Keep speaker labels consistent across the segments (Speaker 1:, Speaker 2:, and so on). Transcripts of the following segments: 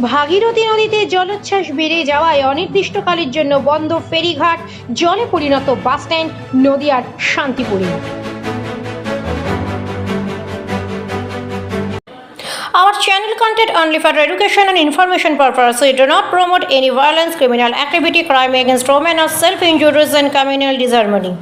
Speaker 1: ভাগীরথী নদীতে জলোচ্ছ্বাস বেড়ে যাওয়ায় অনির্দিষ্টকালের জন্য বন্ধ ফেরিঘাট, জলে পরিণত বাসস্ট্যান্ড নদিয়ার শান্তিপুরে। Our channel content only for education and information purpose. We do not promote any violence, criminal activity, crime against women, or self-injuries and communal disharmony.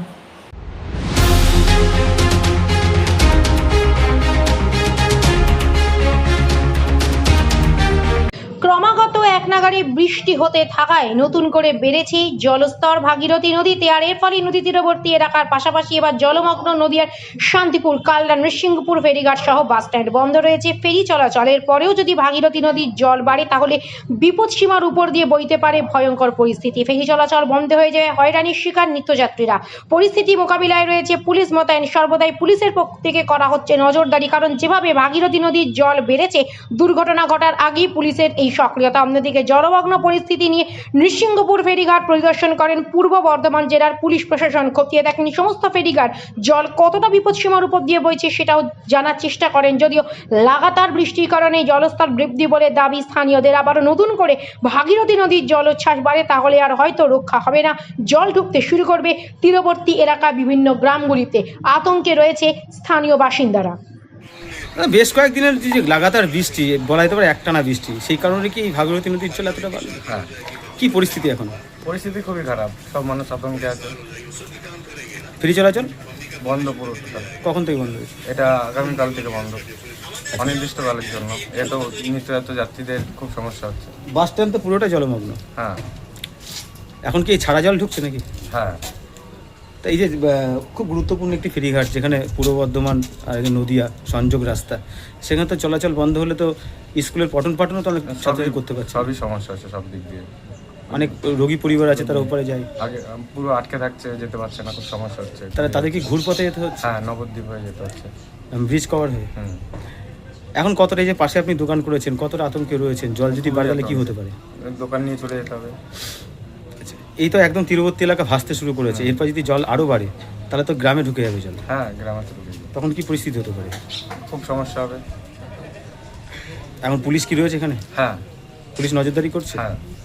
Speaker 1: ক্রমাগত এক নাগাড়ে বৃষ্টি হতে থাকায় নতুন করে বেড়েছে জলস্তর ভাগীরথী নদীতে। আর এর ফলে নদী তীরবর্তী এলাকার পাশাপাশি এবার জলমগ্ন নদিয়ার শান্তিপুর, কালনা, নৃসিংহপুর ফেরিঘাট সহ বাসস্ট্যান্ড বন্ধ রয়েছে ফেরি চলাচলের পরেও যদি ভাগীরথী নদীর জল বাড়ে তাহলে বিপদ সীমার উপর দিয়ে বইতে পারে ভয়ঙ্কর পরিস্থিতি। ফেরি চলাচল বন্ধ হয়ে যায়, হয়রানির শিকার নিত্যযাত্রীরা। পরিস্থিতি মোকাবিলায় রয়েছে পুলিশ মোতায়েন। সর্বদাই পুলিশের পক্ষ থেকে করা হচ্ছে নজরদারি, কারণ যেভাবে ভাগীরথী নদীর জল বেড়েছে দুর্ঘটনা ঘটার আগেই পুলিশের এই সক্রিয়তা। অন্যদিকে জলমগ্ন পরিস্থিতি নিয়ে নৃসিংহপুর ফেরিঘাট পরিদর্শন করেন পূর্ব বর্ধমান জেলার পুলিশ প্রশাসন। খতিয়ে দেখেন সমস্ত ফেরিঘাট জল কতটা বিপদসীমার উপর দিয়ে বইছে সেটাও জানার চেষ্টা করেন। যদিও লাগাতার বৃষ্টির কারণে জলস্তর বৃদ্ধি বলে দাবি স্থানীয়দের। আবারও নতুন করে ভাগীরথী নদীর জলোচ্ছ্বাস বাড়ে তাহলে আর হয়তো রক্ষা হবে না, জল ঢুকতে শুরু করবে তীরবর্তী এলাকা বিভিন্ন গ্রামগুলিতে। আতঙ্কে রয়েছে স্থানীয় বাসিন্দারা।
Speaker 2: বেশ কয়েকদিনের যে লাগাতার বৃষ্টি, বলা যেতে পারে একটানা বৃষ্টি, সেই কারণে কি ভাগীরথী নদীর জল এতটা বাড়লো?
Speaker 3: হ্যাঁ,
Speaker 2: কি পরিস্থিতি এখন?
Speaker 3: পরিস্থিতি খুবই খারাপ, সব মানুষ আতঙ্কে আছে।
Speaker 2: ফেরি চলাচল
Speaker 3: বন্ধ পুরো total।
Speaker 2: কখন থেকে বন্ধ হয়েছে?
Speaker 3: এটা আগামীকাল থেকে বন্ধ, অনির্দিষ্টকালের জন্য। এত নিত্যযাত্রী যাত্রীদের খুব সমস্যা হচ্ছে।
Speaker 2: বাস স্ট্যান্ড তো পুরোটা জলমগ্ন।
Speaker 3: হ্যাঁ
Speaker 2: এখন কি ছাড়া জল ঢুকছে নাকি?
Speaker 3: হ্যাঁ,
Speaker 2: তা এই যে খুব গুরুত্বপূর্ণ একটি ফেরিঘাট, যেখানে পূর্ব বর্ধমান আর নদিয়া সংযোগ রাস্তা, সেখানে তো চলাচল বন্ধ হলে তো স্কুলের পঠন পাঠনও তো অনেক ছাত্রছাত্রী করতে পারছে।
Speaker 3: সবই সমস্যা হচ্ছে সব দিক দিয়ে।
Speaker 2: অনেক রোগী পরিবার আছে, তারা উপরে যায়,
Speaker 3: আগে পুরো আটকে থাকছে, যেতে পারছে না, খুব সমস্যা হচ্ছে।
Speaker 2: তাদের কি ঘুরপথে যেতে হচ্ছে?
Speaker 3: হ্যাঁ, নবদ্বীপ হয়ে যেতে হচ্ছে।
Speaker 2: ব্রিজ কভার হয়ে। এখন কতটা, এই যে পাশে আপনি দোকান করেছেন, কতটা আতঙ্কে রয়েছেন? জল যদি বাড়ে তাহলে কি হতে পারে?
Speaker 3: দোকান নিয়ে চলে যেতে হবে।
Speaker 2: এই তো একদম তীরবর্তী এলাকা ভাসতে শুরু করেছে, এরপর যদি জল আরও বাড়ে তাহলে তো গ্রামে ঢুকে যাবে জল।
Speaker 3: হ্যাঁ, গ্রামে চলে যাবে,
Speaker 2: তখন কি পরিস্থিতি হতে পারে?
Speaker 3: খুব সমস্যা হবে।
Speaker 2: এখন পুলিশ কি রয়েছে এখানে?
Speaker 3: হ্যাঁ,
Speaker 2: পুলিশ নজরদারি করছে।
Speaker 3: হ্যাঁ।